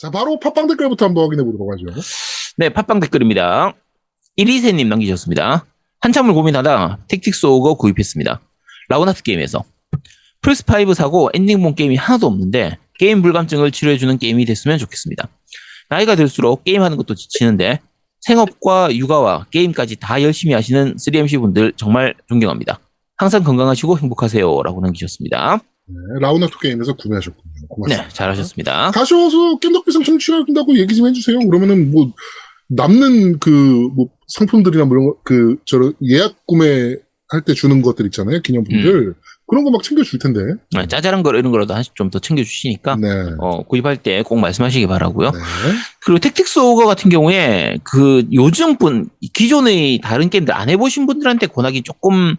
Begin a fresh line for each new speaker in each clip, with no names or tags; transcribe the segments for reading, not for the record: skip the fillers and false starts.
자, 바로 팟빵 댓글부터 한번 확인해 보도록 하죠.
네, 팟빵 댓글입니다. 이리세님 남기셨습니다. 한참을 고민하다 택틱스 오거 구입했습니다. 라운하트 게임에서. 플스5 사고 엔딩본 게임이 하나도 없는데 게임 불감증을 치료해주는 게임이 됐으면 좋겠습니다. 나이가 들수록 게임하는 것도 지치는데 생업과 육아와 게임까지 다 열심히 하시는 3MC 분들 정말 존경합니다. 항상 건강하시고 행복하세요. 라고 남기셨습니다.
네, 라운하트 게임에서 구매하셨군요. 고맙습니다.
네, 잘하셨습니다.
가셔서 깸덕비상 청취한다고 얘기 좀 해주세요. 그러면은 뭐 남는 뭐 상품들이나 뭐 이런 거 저런 예약 구매할 때 주는 것들 있잖아요. 기념품들. 그런 거 막 챙겨줄 텐데.
네, 짜잘한 거 이런 거라도 하나씩 좀 더 챙겨주시니까
네.
구입할 때 꼭 말씀하시기 바라고요.
네.
그리고 택틱스 오거 같은 경우에 요즘 기존의 다른 게임들 안 해보신 분들한테 권하기 조금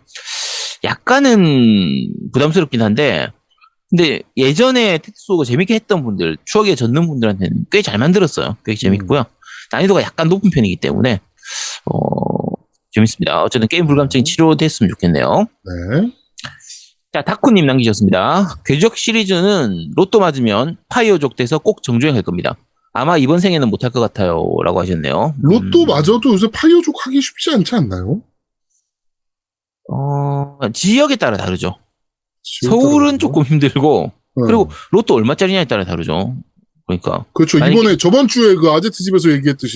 약간은 부담스럽긴 한데, 근데 예전에 택틱스 오거 재밌게 했던 분들, 추억에 젖는 분들한테는 꽤 잘 만들었어요. 꽤 재밌고요. 난이도가 약간 높은 편이기 때문에 재밌습니다. 어쨌든 게임 불감증이 치료됐으면 좋겠네요.
네.
자, 다쿠님 남기셨습니다. 궤적 시리즈는 로또 맞으면 파이어족 돼서 꼭 정주행할 겁니다. 아마 이번 생에는 못할 것 같아요. 라고 하셨네요.
로또 맞아도 요새 파이어족 하기 쉽지 않지 않나요?
지역에 따라 다르죠. 서울은 조금 힘들고, 그리고 로또 얼마짜리냐에 따라 다르죠. 그러니까.
그렇죠. 이번에 저번 주에 그 아제트 집에서 얘기했듯이,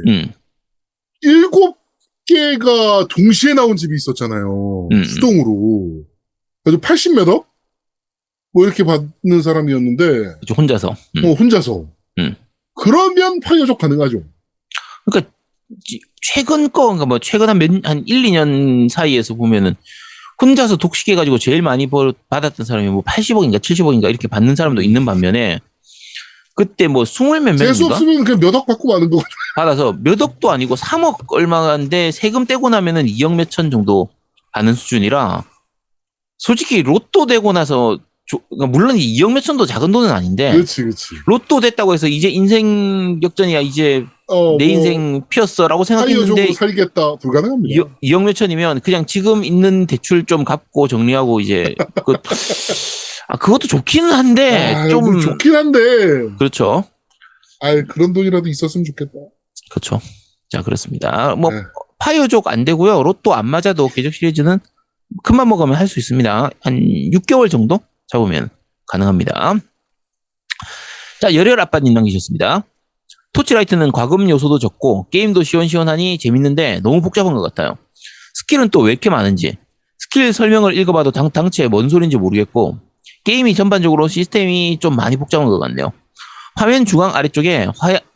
7개가 동시에 나온 집이 있었잖아요. 수동으로. 그래서 80몇 억? 뭐 이렇게 받는 사람이었는데.
그렇죠, 혼자서.
혼자서. 그러면 파이어족 가능하죠.
그러니까, 최근 그러니까 뭐, 최근 한 1, 2년 사이에서 보면은, 혼자서 독식해가지고 제일 많이 받았던 사람이 뭐 80억인가 70억인가 이렇게 받는 사람도 있는 반면에, 그때 뭐 20몇 명인가?
재수 없으면 그냥 몇 억 받고 마는 거
받아서 몇 억도 아니고 3억 얼마인데 세금 떼고 나면은 2억 몇천 정도 받는 수준이라, 솔직히 로또 되고 나서 그러니까 물론 2억 몇천도 작은 돈은 아닌데,
그렇지.
로또 됐다고 해서 이제 인생 역전이야, 이제 내 인생 피었어라고 생각했는데
파이어족으로 살겠다 불가능합니다.
2억 몇천이면 그냥 지금 있는 대출 좀 갚고 정리하고 이제 그것도 좋기는 한데 좀
좋긴 한데.
그렇죠.
그런 돈이라도 있었으면 좋겠다.
그렇죠. 자, 그렇습니다. 뭐 파이어족 안 되고요. 로또 안 맞아도 궤적 시리즈는 큰맘 먹으면 할 수 있습니다. 한 6개월 정도 잡으면 가능합니다. 자, 열혈 아빠님 남기셨습니다. 토치라이트는 과금 요소도 적고 게임도 시원시원하니 재밌는데 너무 복잡한 것 같아요. 스킬은 또 왜 이렇게 많은지, 스킬 설명을 읽어봐도 당최 뭔 소린지 모르겠고, 게임이 전반적으로 시스템이 좀 많이 복잡한 것 같네요. 화면 중앙 아래쪽에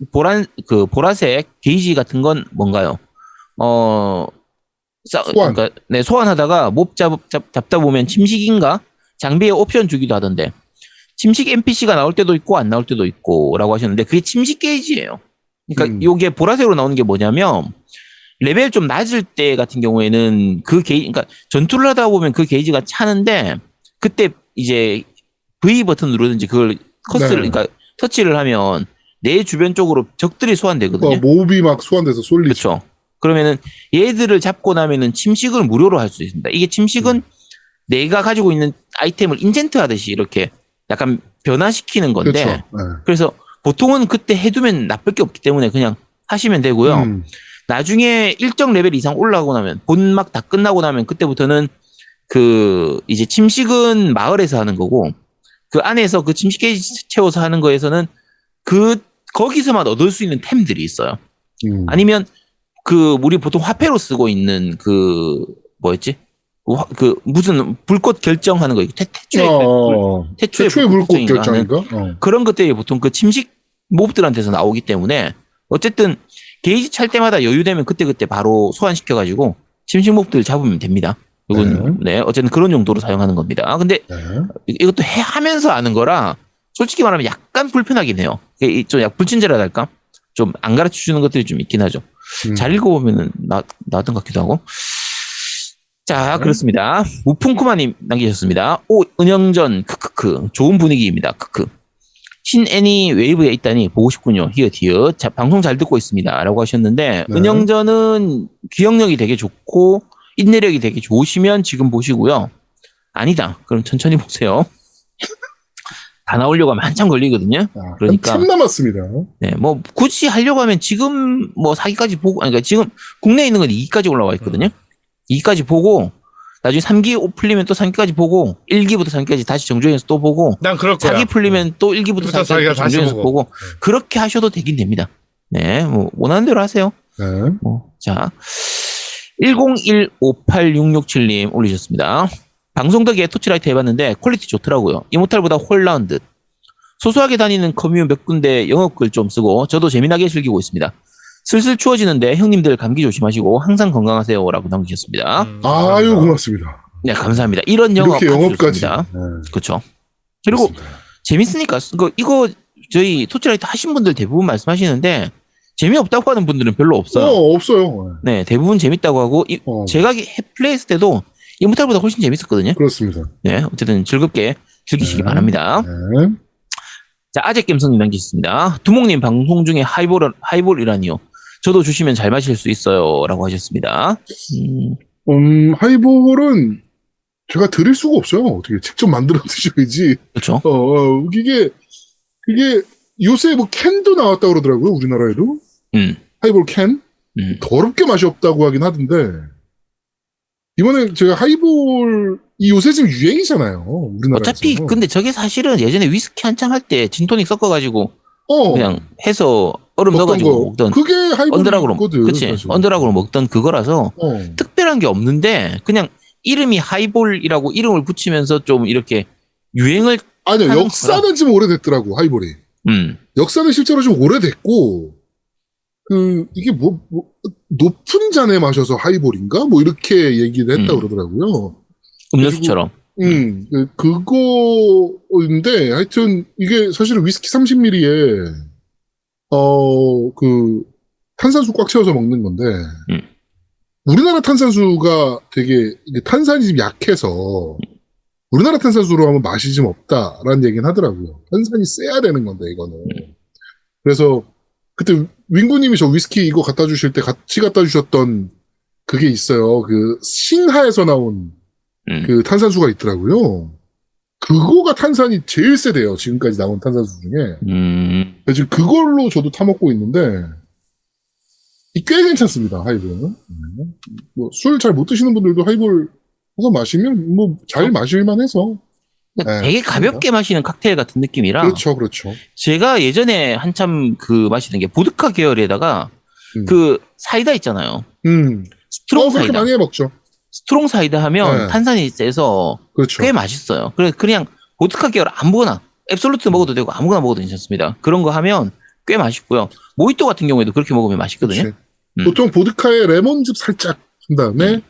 보라색 게이지 같은 건 뭔가요?
소환.
그러니까 소환하다가 몹 잡다 보면 침식인가? 장비에 옵션 주기도 하던데, 침식 NPC가 나올 때도 있고 안 나올 때도 있고 라고 하셨는데, 그게 침식 게이지예요. 그러니까 요게 보라색으로 나오는 게 뭐냐면, 레벨 좀 낮을 때 같은 경우에는 그러니까 전투를 하다 보면 그 게이지가 차는데, 그때 이제 V 버튼 누르든지 그걸 그러니까 터치를 하면 내 주변 쪽으로 적들이 소환되거든요.
몹이 막 소환돼서 쏠리죠.
그렇죠. 그러면은 얘들을 잡고 나면은 침식을 무료로 할 수 있습니다. 이게 침식은 내가 가지고 있는 아이템을 인젠트 하듯이 이렇게 약간 변화시키는 건데,
그렇죠.
그래서 보통은 그때 해두면 나쁠 게 없기 때문에 그냥 하시면 되고요. 나중에 일정 레벨 이상 올라가고 나면, 본막 다 끝나고 나면 그때부터는 이제 침식은 마을에서 하는 거고, 그 안에서 그 침식 게이지 채워서 하는 거에서는 거기서만 얻을 수 있는 템들이 있어요. 아니면 우리 보통 화폐로 쓰고 있는 뭐였지? 무슨 불꽃 결정하는 거, 태초의 불꽃 결정인가? 그런 것들이 보통 그 침식 몹들한테서 나오기 때문에, 어쨌든 게이지 찰 때마다 여유되면 그때그때 바로 소환시켜가지고 침식 몹들 잡으면 됩니다. 이건 어쨌든 그런 용도로 사용하는 겁니다. 근데 이것도 하면서 아는 거라 솔직히 말하면 약간 불편하긴 해요. 좀 약간 불친절하달까? 좀 안 가르쳐 주는 것들이 좀 있긴 하죠. 잘 읽어보면은 나던 같기도 하고. 자, 그렇습니다. 우풍쿠마님 남기셨습니다. 은영전 크크크 좋은 분위기입니다. 크크. 신애니 웨이브에 있다니 보고 싶군요. 히읗. 자, 방송 잘 듣고 있습니다. 라고 하셨는데, 은영전은 기억력이 되게 좋고 인내력이 되게 좋으시면 지금 보시고요. 아니다, 그럼 천천히 보세요. 다 나오려고 하면 한참 걸리거든요. 그러니까
한참 남았습니다.
네, 뭐 굳이 하려고 하면 지금 뭐 4기까지 보고, 아니, 그러니까 지금 국내에 있는 건 2기까지 올라와 있거든요. 2기까지 보고 나중에 3기 풀리면 또 3기까지 보고 1기부터 3기까지 다시 정주행해서 또 보고
난 그럴 거야.
4기 풀리면 또 1기부터 4기까지 정주행해서 보고 그렇게 하셔도 되긴 됩니다. 네, 뭐 원하는 대로 하세요.
네.
자, 10158667님 올리셨습니다. 방송 덕에 토치라이트 해봤는데 퀄리티 좋더라고요. 이모탈보다 훨 나은 듯. 소소하게 다니는 커뮤 몇 군데 영업글 좀 쓰고 저도 재미나게 즐기고 있습니다. 슬슬 추워지는데 형님들 감기 조심하시고 항상 건강하세요라고 남기셨습니다.
아유 고맙습니다.
네, 감사합니다. 이런 영업
이렇게 영업까지.
그렇죠. 그리고
그렇습니다.
재밌으니까 이거 저희 토치라이트 하신 분들 대부분 말씀하시는데 재미없다고 하는 분들은 별로 없어요.
없어요.
네, 대부분 재밌다고 하고 제가 플레이했을 때도 이모탈보다 훨씬 재밌었거든요.
그렇습니다.
네, 어쨌든 즐겁게 즐기시기 바랍니다.
네.
자, 아재 겜성님 남기셨습니다. 두목님 방송 중에 하이볼이라니요. 저도 주시면 잘 마실 수 있어요라고 하셨습니다.
하이볼은 제가 드릴 수가 없어요. 어떻게 직접 만들어 드셔야지.
그렇죠.
이게 요새 뭐 캔도 나왔다고 그러더라고요. 우리나라에도. 하이볼 캔. 더럽게 맛이 없다고 하긴 하던데. 이번에 제가 하이볼이 요새 지금 유행이잖아요. 우리나라에서.
어차피 근데 저게 사실은 예전에 위스키 한창 할 때 진토닉 섞어가지고 그냥 해서 얼음 넣어가지고 먹던
그게 하이볼이거든.
그치. 언더락으로 먹던 그거라서 특별한 게 없는데 그냥 이름이 하이볼이라고 이름을 붙이면서 좀 이렇게 유행을
아니요. 역사는 좀 오래됐더라고. 하이볼이. 역사는 실제로 좀 오래됐고 이게 높은 잔에 마셔서 하이볼인가? 뭐 이렇게 얘기를 했다 그러더라고요.
음료수처럼.
그거인데 하여튼 이게 사실은 위스키 30ml에 탄산수 꽉 채워서 먹는 건데 우리나라 탄산수가 되게 탄산이 좀 약해서 우리나라 탄산수로 하면 맛이 좀 없다라는 얘기는 하더라고요. 탄산이 세야 되는 건데 이거는. 그래서 그때 윙구님이 저 위스키 이거 갖다 주실 때 같이 갖다 주셨던 그게 있어요. 그 싱하에서 나온 그 탄산수가 있더라고요. 그거가 탄산이 제일 세대요. 지금까지 나온 탄산수 중에. 지금 그걸로 저도 타먹고 있는데 꽤 괜찮습니다. 하이볼은. 술 잘 못 드시는 분들도 하이볼 해서 마시면 뭐 잘 마실만 해서.
되게 가볍게 마시는 칵테일 같은 느낌이라.
그렇죠.
제가 예전에 한참 마시는 게 보드카 계열에다가 사이다 있잖아요. 스트롱 사이다.
그렇게 많이 해 먹죠.
스트롱 사이다 하면 탄산이 세서
그렇죠.
꽤 맛있어요. 그냥 보드카 계열 아무거나 앱솔루트 먹어도 되고 아무거나 먹어도 괜찮습니다. 그런 거 하면 꽤 맛있고요. 모히또 같은 경우에도 그렇게 먹으면 맛있거든요.
보통 보드카에 레몬즙 살짝 한 다음에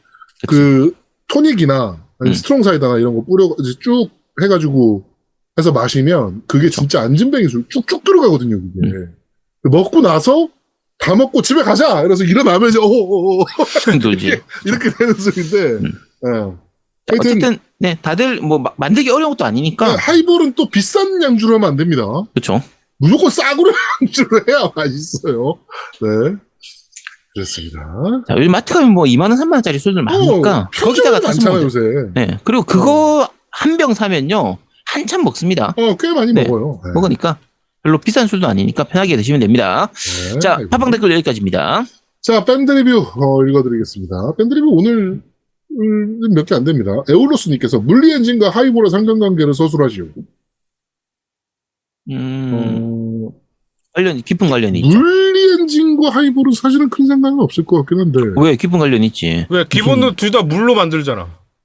토닉이나 아니면 스트롱 사이다나 이런 거 뿌려 쭉 해가지고 해서 마시면 그게 진짜 안진뱅이 술 쭉쭉 들어가거든요. 그게 먹고 나서 다 먹고 집에 가자 이래서 일어나면 이제 이렇게 되는 술인데.
어쨌든 네 다들 뭐 만들기 어려운 것도 아니니까.
하이볼은 또 비싼 양주로 하면 안 됩니다.
그렇죠.
무조건 싸구려 양주로 해야 맛있어요. 네. 그렇습니다.
자, 요즘 마트 가면 뭐 2만 원, 3만 원짜리 술들 많으니까 거기다가
많잖아요 요새.
네. 그리고 그거 한 병 사면요 한참 먹습니다.
꽤 많이 먹어요. 네.
먹으니까 별로 비싼 술도 아니니까 편하게 드시면 됩니다.
네,
자, 팟빵 댓글 여기까지입니다.
자, 밴드 리뷰 읽어드리겠습니다. 밴드 리뷰 오늘 몇 개 안 됩니다. 에올로스님께서 물리 엔진과 하이볼의 상관관계를 서술하시오.
깊은 관련이 있죠.
물리 엔진과 하이볼은 사실은 큰 상관은 없을 것 같긴 한데.
왜? 깊은 관련이 있지.
왜? 기본은 둘 다 물로 만들잖아.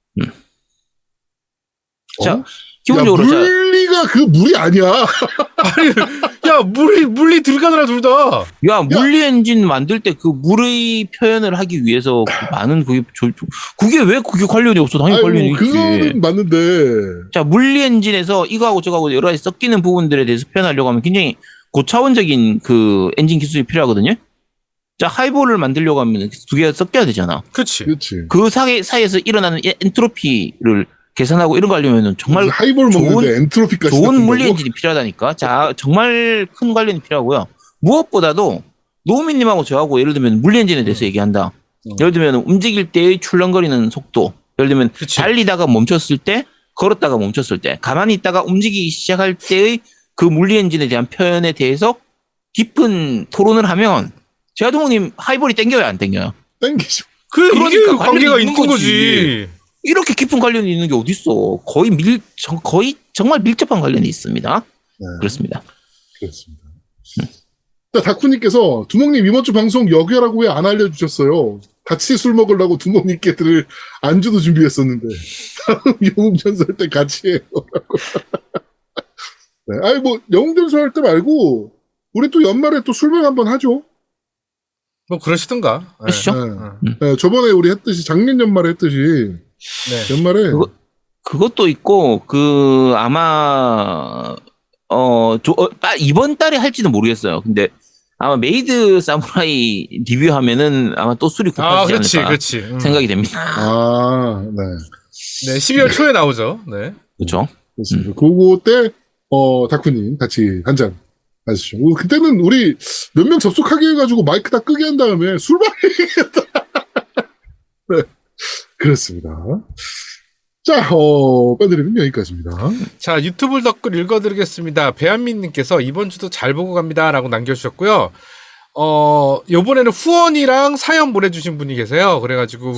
자, 기본적으로.
물리가 그 물이 아니야.
아니, 야, 물리 들어가더라, 둘 다.
야, 물리 엔진 만들 때 그 물의 표현을 하기 위해서 많은 그게 왜 그게 관련이 없어? 당연히 관련이 있지.
그거는 맞는데.
자, 물리 엔진에서 이거하고 저거하고 여러 가지 섞이는 부분들에 대해서 표현하려고 하면 굉장히 고차원적인 그 엔진 기술이 필요하거든요. 자, 하이볼을 만들려고 하면 두 개가 섞여야 되잖아.
그치.
그 사이에서 일어나는 엔트로피를 계산하고 이런 거 하려면 정말
하이볼 먹는데 엔트로피까지
좋은 물리 엔진이 필요하다니까. 자, 정말 큰 관련이 필요하고요. 무엇보다도 노우미님하고 저하고 예를 들면 물리 엔진에 대해서 얘기한다. 예를 들면 움직일 때의 출렁거리는 속도. 예를 들면 달리다가 멈췄을 때 걸었다가 멈췄을 때, 가만히 있다가 움직이기 시작할 때의 그 물리 엔진에 대한 표현에 대해서 깊은 토론을 하면 제아동님 하이볼이 땡겨요, 안 땡겨요?
땡기죠.
그러니까 이게 관계가
관련이
있는 거지.
이렇게 깊은 관련이 있는 게 어딨어? 거의 정말 밀접한 관련이 있습니다.
네.
그렇습니다.
그렇습니다. 자, 다쿠님께서 두목님 이번 주 방송 여기라고 왜 안 알려주셨어요? 같이 술 먹으려고 두목님께 들을 안주도 준비했었는데 다음 영웅전설 때 같이 해요. 네, 아니 뭐 영웅전설 할 때 말고 우리 또 연말에 또 술방 한번 하죠.
뭐 그러시든가. 네.
그러시죠?
네, 저번에 우리 했듯이 작년 연말에 했듯이
네.
연말에
그것도 있고 아마 이번 달에 할지는 모르겠어요. 근데 아마 메이드 사무라이 리뷰하면은 아마 또 술이 고파지지 않을까 생각이 됩니다.
아, 네.
네, 12월 초에 나오죠. 네.
그렇죠.
그렇습니다. 그거 때 다쿠님 같이 한잔 하시죠. 그때는 우리 몇 명 접속하게 해가지고 마이크 다 끄게 한 다음에 술방 해야겠다. 네, 그렇습니다. 자, 밴드리는 여기까지입니다.
자, 유튜브 댓글 읽어드리겠습니다. 배한민님께서 이번 주도 잘 보고 갑니다. 라고 남겨주셨고요. 요번에는 후원이랑 사연 보내주신 분이 계세요. 그래가지고,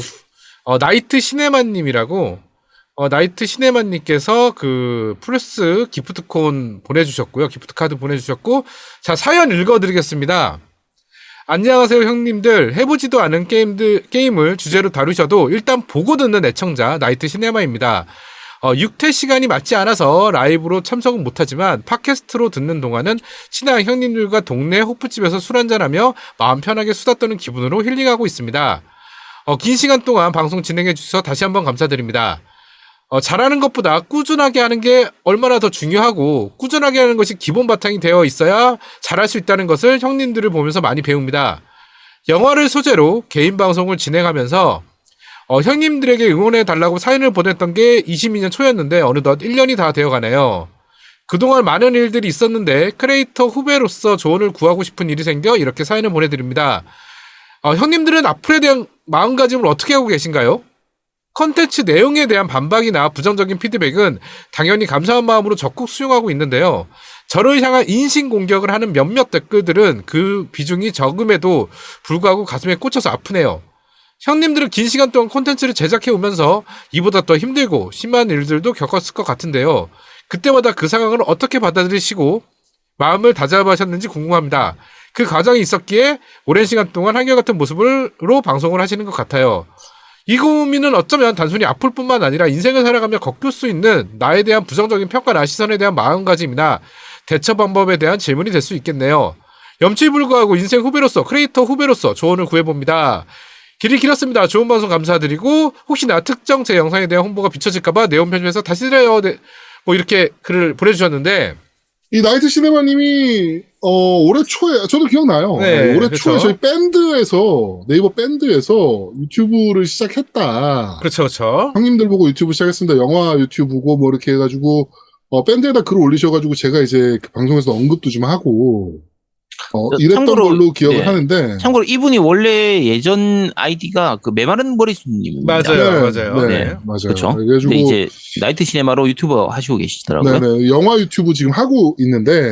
나이트 시네마님이라고, 나이트 시네마님께서 그 플러스 기프트콘 보내주셨고요. 기프트카드 보내주셨고, 자, 사연 읽어드리겠습니다. 안녕하세요, 형님들. 해보지도 않은 게임을 주제로 다루셔도 일단 보고 듣는 애청자, 나이트 시네마입니다. 6회 시간이 맞지 않아서 라이브로 참석은 못하지만 팟캐스트로 듣는 동안은 친한 형님들과 동네 호프집에서 술 한잔하며 마음 편하게 수다 떠는 기분으로 힐링하고 있습니다. 긴 시간 동안 방송 진행해 주셔서 다시 한번 감사드립니다. 잘하는 것보다 꾸준하게 하는 게 얼마나 더 중요하고 꾸준하게 하는 것이 기본 바탕이 되어 있어야 잘할 수 있다는 것을 형님들을 보면서 많이 배웁니다. 영화를 소재로 개인 방송을 진행하면서 형님들에게 응원해 달라고 사연을 보냈던 게 22년 초였는데 어느덧 1년이 다 되어가네요. 그동안 많은 일들이 있었는데 크리에이터 후배로서 조언을 구하고 싶은 일이 생겨 이렇게 사연을 보내드립니다. 형님들은 앞으로에 대한 마음가짐을 어떻게 하고 계신가요? 컨텐츠 내용에 대한 반박이나 부정적인 피드백은 당연히 감사한 마음으로 적극 수용하고 있는데요. 저를 향한 인신공격을 하는 몇몇 댓글들은 그 비중이 적음에도 불구하고 가슴에 꽂혀서 아프네요. 형님들은 긴 시간 동안 콘텐츠를 제작해 오면서 이보다 더 힘들고 심한 일들도 겪었을 것 같은데요. 그때마다 그 상황을 어떻게 받아들이시고 마음을 다잡으셨는지 궁금합니다. 그 과정이 있었기에 오랜 시간 동안 한결같은 모습으로 방송을 하시는 것 같아요. 이 고민은 어쩌면 단순히 아플 뿐만 아니라 인생을 살아가며 겪을 수 있는 나에 대한 부정적인 평가나 시선에 대한 마음가짐이나 대처 방법에 대한 질문이 될 수 있겠네요. 염치불구하고 인생 후배로서 크리에이터 후배로서 조언을 구해봅니다. 길이 길었습니다. 좋은 방송 감사드리고 혹시나 특정 제 영상에 대한 홍보가 비춰질까봐 내용 편집해서 다시 드려요. 뭐 이렇게 글을 보내주셨는데
이 나이트 시네마님이 올해 초에 저도 기억나요.
네,
올해
그렇죠.
초에 저희 밴드에서 네이버 밴드에서 유튜브를 시작했다.
그렇죠, 그렇죠.
형님들 보고 유튜브 시작했습니다. 영화 유튜브고 뭐 이렇게 해가지고 밴드에다 글을 올리셔가지고 제가 이제 그 방송에서 언급도 좀 하고 이랬던 걸로 기억을 하는데.
참고로 이분이 원래 예전 아이디가 그 메마른 머리수님입니다.
맞아요.
네, 맞아요.
그렇죠.
그래가지고
근데 이제 나이트 시네마로 유튜버 하시고 계시더라고요.
네네, 영화 유튜브 지금 하고 있는데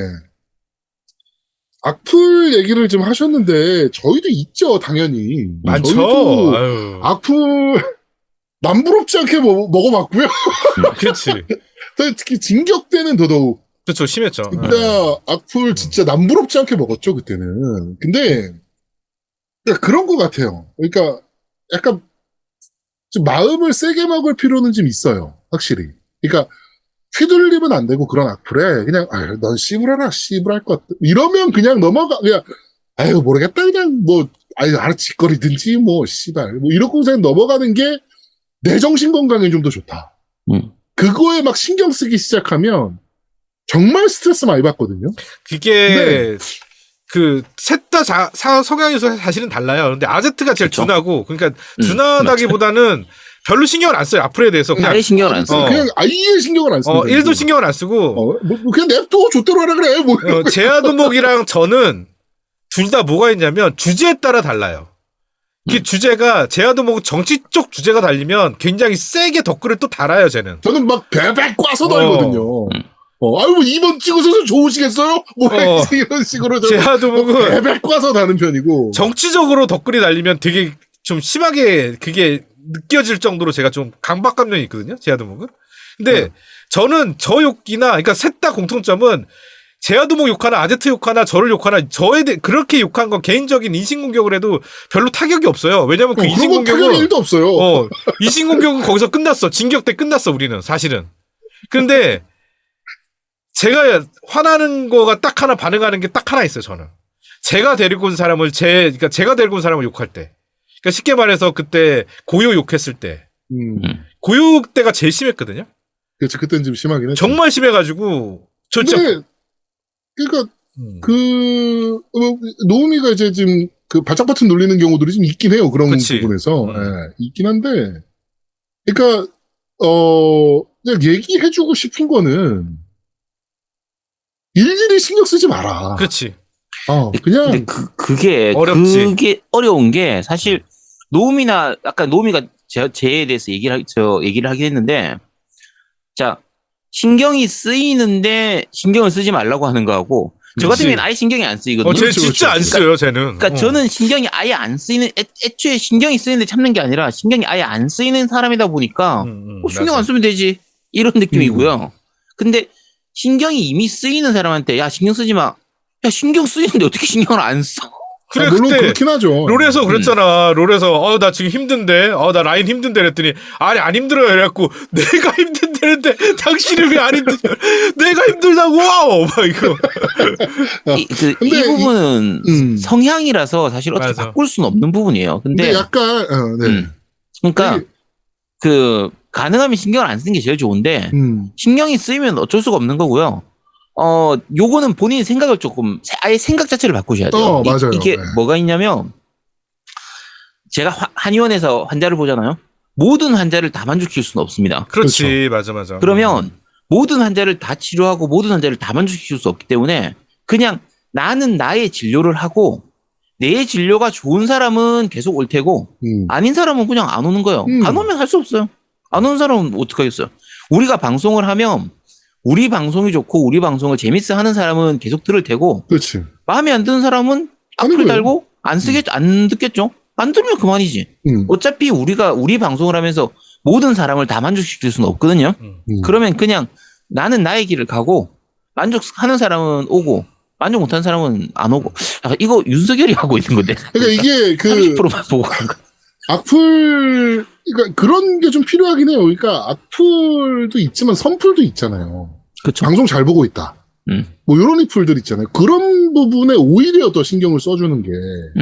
악플 얘기를 좀 하셨는데 저희도 있죠, 당연히.
많죠.
저희도
아유.
악플 남부럽지 않게 먹어봤고요.
그렇지.
특히 진격때는 더더욱
그렇죠, 심했죠.
진짜 악플 진짜 남부럽지 않게 먹었죠, 그때는. 근데 그런 것 같아요. 그러니까 약간 좀 마음을 세게 먹을 필요는 좀 있어요, 확실히. 그러니까 휘둘리면 안 되고 그런 악플에 그냥 넌 씨부라라 씨부랄 것 같아. 이러면 그냥 넘어가. 그냥 아유 모르겠다 그냥 뭐 알아짓거리든지 뭐 씨발 뭐 이러고 그냥 넘어가는 게 내 정신 건강에 좀 더 좋다. 그거에 막 신경 쓰기 시작하면 정말 스트레스 많이 받거든요.
그게 그 셋 다 성향이 사실은 달라요. 근데 아제트가 제일
그쵸?
둔하고 그러니까 둔하다기보다는 별로 신경을 안 써요. 악플에 대해서 그냥
아예 신경을 안 써요.
그냥 아예 신경을 안 씁니다.
1도 신경을 안 쓰고
뭐 그냥 냅둬 좆대로 하라 그래. 뭐
제아도목이랑 저는 둘 다 뭐가 있냐면 주제에 따라 달라요. 이게 주제가 제아도 뭐 정치 쪽 주제가 달리면 굉장히 세게 댓글을 또 달아요, 쟤는.
저는 막 베베 꽈서 달거든요. 아유, 뭐 2번 찍으셔서 좋으시겠어요? 뭐, 이런 식으로.
제아도 뭐
베베 꽈서 다는 편이고.
정치적으로 댓글이 달리면 되게 좀 심하게 그게 느껴질 정도로 제가 좀 강박감정이 있거든요, 제아도목은. 근데 저는 저 욕이나, 그러니까 셋 다 공통점은 제아도목 욕하나 아제트 욕하나 저를 욕하나 저에 대해 그렇게 욕한 건 개인적인 인신공격을 해도 별로 타격이 없어요. 왜냐면 그
그런 건
인신공격은
타격이 1도 없어요.
인신공격은 거기서 끝났어. 징역 때 끝났어, 우리는 사실은. 근데 제가 화나는 거가 딱 하나 반응하는 게 딱 하나 있어요, 저는. 제가 데리고 온 사람을 그러니까 제가 데리고 온 사람을 욕할 때. 그러니까 쉽게 말해서 그때 고요 욕했을 때. 고요 때가 제일 심했거든요.
그렇지, 그때는 좀 심하긴 했죠.
정말 심해가지고 저 진짜
그러니까 노우미가 이제 지금 그 발작 버튼 눌리는 경우들이 좀 있긴 해요. 그런
그치.
부분에서 있긴 한데, 그러니까 그냥 얘기해주고 싶은 거는 일일이 신경 쓰지 마라.
그렇지.
그냥
근데 그게
어렵지.
그게 어려운 게 사실 노우미나 아까 노우미가 제에 대해서 얘기를 하긴 했는데, 자, 신경이 쓰이는데 신경을 쓰지 말라고 하는 거하고 저 같은 경우는 아예 신경이 안 쓰이거든요.
쟤 진짜 안 써요, 쟤는.
그러니까 저는 신경이 아예 안 쓰이는 애초에 신경이 쓰이는데 참는 게 아니라 신경이 아예 안 쓰이는 사람이다 보니까 신경
맞아.
안 쓰면 되지 이런 느낌이고요. 근데 신경이 이미 쓰이는 사람한테 야 신경 쓰지 마. 야 신경 쓰이는데 어떻게 신경을 안 써?
그래,
물론
그때
그렇긴 하죠.
롤에서 그랬잖아. 롤에서 나 지금 힘든데, 나 라인 힘든데 그랬더니 아니 안 힘들어요. 그래갖고 내가 힘든데는데 당신은 왜 안 힘드냐? 내가 힘들다고. 막 이거.
이 부분은 성향이라서 사실 어떻게
맞아.
바꿀 수는 없는 부분이에요.
근데 약간
그러니까 가능하면 신경을 안 쓰는 게 제일 좋은데 신경이 쓰이면 어쩔 수가 없는 거고요. 요거는 본인의 생각을 조금 아예 생각 자체를 바꾸셔야 돼요.
맞아요.
이게
네.
뭐가 있냐면 제가 한의원에서 환자를 보잖아요. 모든 환자를 다 만족시킬 수는 없습니다.
그렇지, 맞아.
그러면 모든 환자를 다 치료하고 모든 환자를 다 만족시킬 수 없기 때문에 그냥 나는 나의 진료를 하고 내 진료가 좋은 사람은 계속 올 테고 아닌 사람은 그냥 안 오는 거예요. 안 오면 할 수 없어요. 안 오는 사람은 어떡하겠어요. 우리가 방송을 하면 우리 방송이 좋고 우리 방송을 재밌어 하는 사람은 계속 들을 테고
그렇지.
마음에 안 드는 사람은 악플 달고 안 듣겠죠. 안 들으면 그만이지. 어차피 우리가 우리 방송을 하면서 모든 사람을 다 만족시킬 수는 없거든요. 그러면 그냥 나는 나의 길을 가고 만족하는 사람은 오고 만족 못하는 사람은 안 오고. 이거 윤석열이 하고 있는 건데.
그러니까 이게
30%만 보고 가는 거.
악플, 그러니까 그런 게 좀 필요하긴 해요. 그러니까 악플도 있지만 선플도 있잖아요.
그렇죠.
방송 잘 보고 있다. 뭐 이런 악플들 있잖아요. 그런 부분에 오히려 더 신경을 써주는 게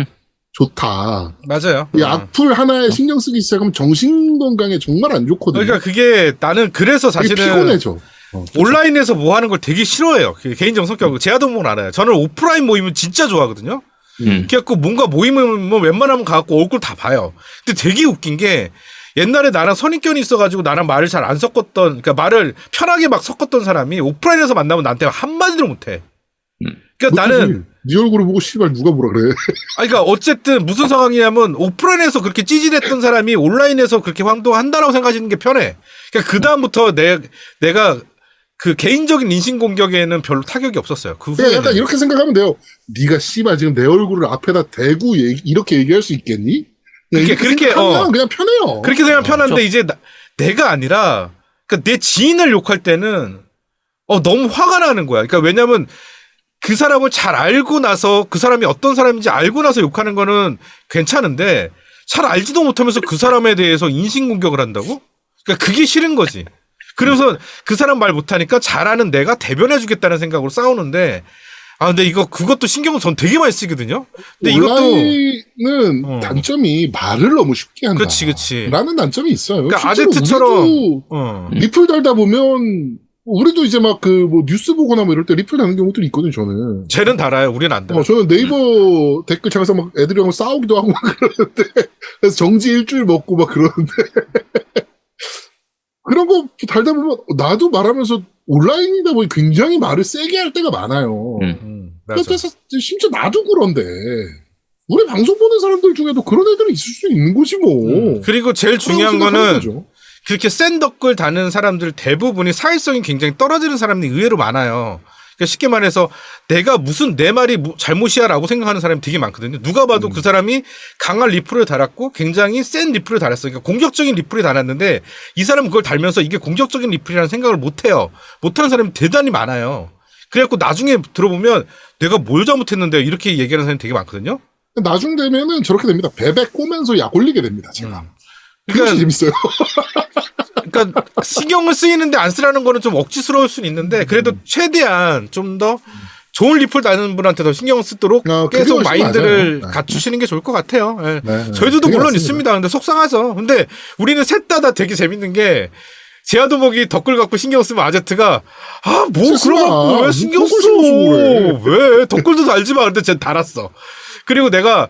좋다.
맞아요.
이 악플 하나에 신경 쓰기 시작하면 정신 건강에 정말 안 좋거든요.
그러니까 그게 나는 그래서 사실은
피곤해져.
온라인에서 뭐 하는 걸 되게 싫어해요. 개인적 성격으로. 제아도목은 알아요. 저는 오프라인 모임은 진짜 좋아하거든요. 그래갖고 뭔가 모임은 뭐 웬만하면 가갖고 얼굴 다 봐요. 근데 되게 웃긴 게 옛날에 나랑 선입견이 있어가지고 나랑 말을 잘 안 섞었던, 그러니까 말을 편하게 막 섞었던 사람이 오프라인에서 만나면 나한테 한마디도 못해. 그러니까 나는
네 얼굴을 보고 씨발 누가 뭐라 그래.
그러니까 어쨌든 무슨 상황이냐면 오프라인에서 그렇게 찌질했던 사람이 온라인에서 그렇게 황당한다라고 생각하시는 게 편해. 그러니까 그 다음부터 내가 그 개인적인 인신 공격에는 별로 타격이 없었어요. 그 후에
약간 이렇게 생각하면 돼요. 네가 씨발 지금 내 얼굴을 앞에다 대고 이렇게 얘기할 수 있겠니? 그렇게 하면 그냥 편해요.
그렇게 생각하면 편한데 이제 내가 아니라 그러니까 내 지인을 욕할 때는 너무 화가 나는 거야. 그러니까 왜냐면 그 사람을 잘 알고 나서 그 사람이 어떤 사람인지 알고 나서 욕하는 거는 괜찮은데 잘 알지도 못하면서 그 사람에 대해서 인신공격을 한다고? 그러니까 그게 싫은 거지. 그래서 그 사람 말 못하니까 잘하는 내가 대변해주겠다는 생각으로 싸우는데 근데 그것도 신경을 전 되게 많이 쓰거든요. 근데
온라인은 단점이 말을 너무 쉽게 한다.
그치.
라는 단점이 있어요.
그러니까 아제트처럼
리플 달다 보면 우리도 이제 막 뭐 뉴스 보거나 뭐 이럴 때 리플 다는 경우들이 있거든요, 저는.
쟤는 달아요. 우리는 안 달아요.
저는 네이버 댓글창에서 막 애들이랑 싸우기도 하고 막 그러는데, 그래서 정지 일주일 먹고 막 그러는데. 그런 거 달다 보면 나도 말하면서 온라인이다 보니 굉장히 말을 세게 할 때가 많아요.
맞아.
그래서 심지어 나도 그런데. 우리 방송 보는 사람들 중에도 그런 애들이 있을 수 있는 거지 뭐.
그리고 제일 중요한
그런
거는
거죠.
그렇게 센 덕글 다는 사람들 대부분이 사회성이 굉장히 떨어지는 사람들이 의외로 많아요. 그러니까 쉽게 말해서 내가 무슨 내 말이 잘못이야라고 생각하는 사람이 되게 많거든요. 누가 봐도 그 사람이 강한 리플을 달았고 굉장히 센 리플을 달았어요. 그러니까 공격적인 리플을 달았는데 이 사람은 그걸 달면서 이게 공격적인 리플이라는 생각을 못해요. 못하는 사람이 대단히 많아요. 그래갖고 나중에 들어보면 내가 뭘 잘못했는데 이렇게 얘기하는 사람이 되게 많거든요.
나중 되면은 저렇게 됩니다. 베베 꼬면서 약 올리게 됩니다. 제가.
그러니까
그게 재밌어요.
그러니까 신경을 쓰이는데 안 쓰라는 거는 좀 억지스러울 수는 있는데 그래도 최대한 좀 더 좋은 리플 다는 분한테 더 신경을 쓰도록
그게
계속
훨씬
마인드를
맞아요. 네.
갖추시는 게 좋을 것 같아요. 예.
네,
저희들도
그게
물론
맞습니다.
있습니다. 근데 속상하죠. 근데 우리는 셋 다 되게 재밌는 게 제아도목이 덧글 갖고 신경 쓰면 아제트가 뭐
쓰지 마.
그러고 왜 신경
덧글
써?
신경 쓰고
왜 덧글도 달지 마. 근데 쟤 달았어. 그리고 내가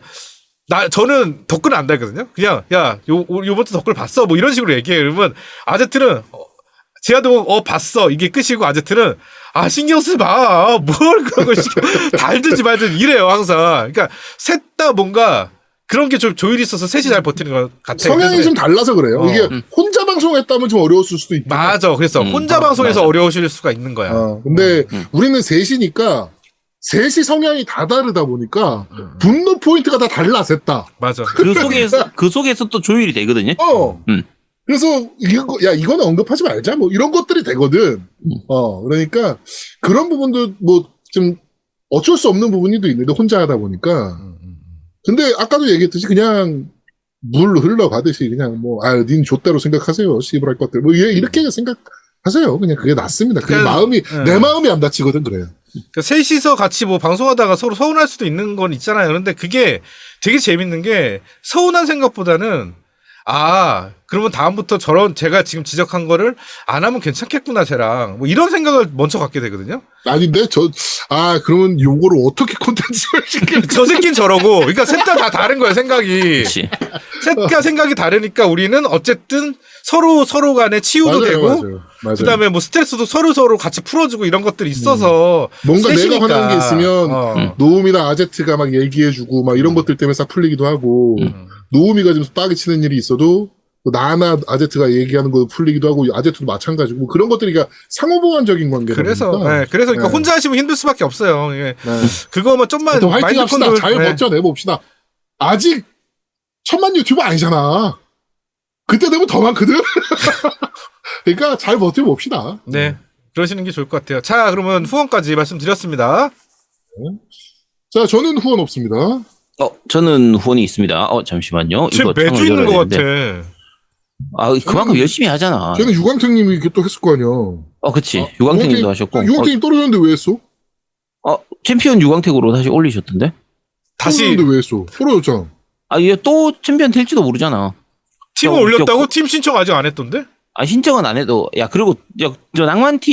저는 덧글은 안 달거든요. 그냥 요번 주 덧글 봤어. 뭐 이런 식으로 얘기해. 그러면 아제트는 제아도목 봤어. 이게 끝이고 아제트는 신경 쓰지 마. 뭘 그런 걸 달든지 말든 이래요 항상. 그러니까 셋 다 뭔가 그런 게 좀 조율이 있어서 셋이 잘 버티는 것 같아요.
성향이
그래서
좀 달라서 그래요.
어.
이게 혼자 방송했다면 좀 어려웠을 수도 있고.
맞아. 그래서 혼자 방송에서
맞아.
어려우실 수가 있는 거야.
근데 우리는 셋이니까 셋이 성향이 다 다르다 보니까 분노 포인트가 다 달라 셋 다.
맞아.
그 속에서 또 조율이 되거든요.
그래서 이거는 언급하지 말자 뭐 이런 것들이 되거든. 그러니까 그런 부분도 뭐 좀 어쩔 수 없는 부분도 있는데 혼자 하다 보니까. 근데 아까도 얘기했듯이 그냥 물 흘러가듯이 그냥 닌 좆대로 생각하세요. 씨부랄 것들. 뭐 이렇게 생각하세요. 그냥 그게 낫습니다. 그게 마음이 내 마음이 안 다치거든 그래요.
그러니까 셋이서 같이 뭐 방송하다가 서로 서운할 수도 있는 건 있잖아요. 그런데 그게 되게 재밌는 게 서운한 생각보다는 그러면 다음부터 제가 지금 지적한 거를 안 하면 괜찮겠구나, 쟤랑. 뭐 이런 생각을 먼저 갖게 되거든요.
아닌데, 그러면 요거를 어떻게 콘텐츠를 시킬까?
저 새끼는 저러고. 그러니까 셋 다 다른 거예요, 생각이.
그치.
셋 다 생각이 다르니까 우리는 어쨌든 서로 간에 치유도 되고.
맞아요.
그 다음에 뭐 스트레스도 서로 같이 풀어주고 이런 것들이 있어서.
뭔가
셋이니까.
내가 화나는 게 있으면, 노움이나 아제트가 막 얘기해주고, 막 이런 것들 때문에 싹 풀리기도 하고, 노우미가 좀 빠개 치는 일이 있어도 나나 아제트가 얘기하는 거 풀리기도 하고 아제트도 마찬가지고 뭐 그런 것들이 그러니까 상호보완적인 관계다
그래서
보니까.
그러니까 혼자 하시면 힘들 수밖에 없어요. 그거만 좀만
또 화이팅
마인드
합시다.
컨트롤
잘 버텨내봅시다. 아직 1000만 유튜버 아니잖아. 그때 되면 더 많거든. 그러니까 잘 버텨봅시다.
네. 그러시는 게 좋을 것 같아요. 자, 그러면 후원까지 말씀드렸습니다.
자, 저는 후원 없습니다.
저는 후원이 있습니다. 잠시만요.
쟤
이거
매주
창을
있는
열어야
것
되는데.
같아.
그만큼 열심히 하잖아.
쟤는 유광택님이 이렇게 또 했을 거 아니야.
그치. 유광택님도 하셨고.
유광택님 떨어졌는데 왜 했어?
챔피언 유광택으로 다시 올리셨던데?
다시
떨어졌는데 왜 했어? 떨어졌잖아.
이게 또 챔피언 될지도 모르잖아.
팀을 올렸다고? 팀 신청 아직 안 했던데?
신청은 안 해도, 그리고, 저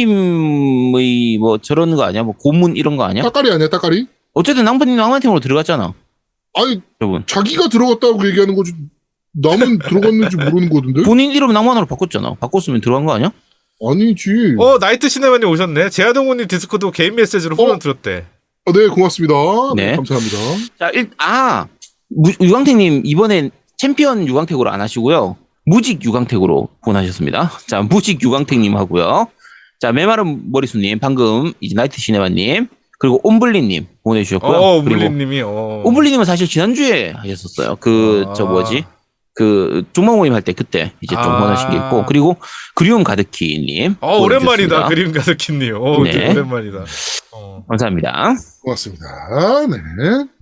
낭만팀의 뭐 저런 거 아니야? 뭐 고문 이런 거 아니야?
따까리 아니야, 따까리?
어쨌든 낭만팀으로 들어갔잖아.
아니,
여러분.
자기가 들어갔다고 얘기하는 거지. 남은 들어갔는지 모르는 거던데?
본인 이름 낭만으로 바꿨잖아. 바꿨으면 들어간 거 아니야?
아니지.
나이트 시네마님 오셨네. 제아동훈님 디스코드 개인 메시지로 후원 들었대.
네, 고맙습니다.
네.
감사합니다.
자, 유광택님 이번엔 챔피언 유광택으로 안 하시고요. 무직 유광택으로 후원하셨습니다. 자, 무직 유광택님 하고요. 자, 메마른 머리수님, 방금 이제 나이트 시네마님, 그리고 옴블리님 보내주셨고요.
옴블리님이.
옴블리님은 사실 지난주에 하셨었어요. 종목 모임 할 때 그때 이제 좀 후원하신 게 있고, 그리고 그리움 가득히님.
오랜만이다. 그림 가득히님.
네.
오랜만이다.
감사합니다.
고맙습니다. 네.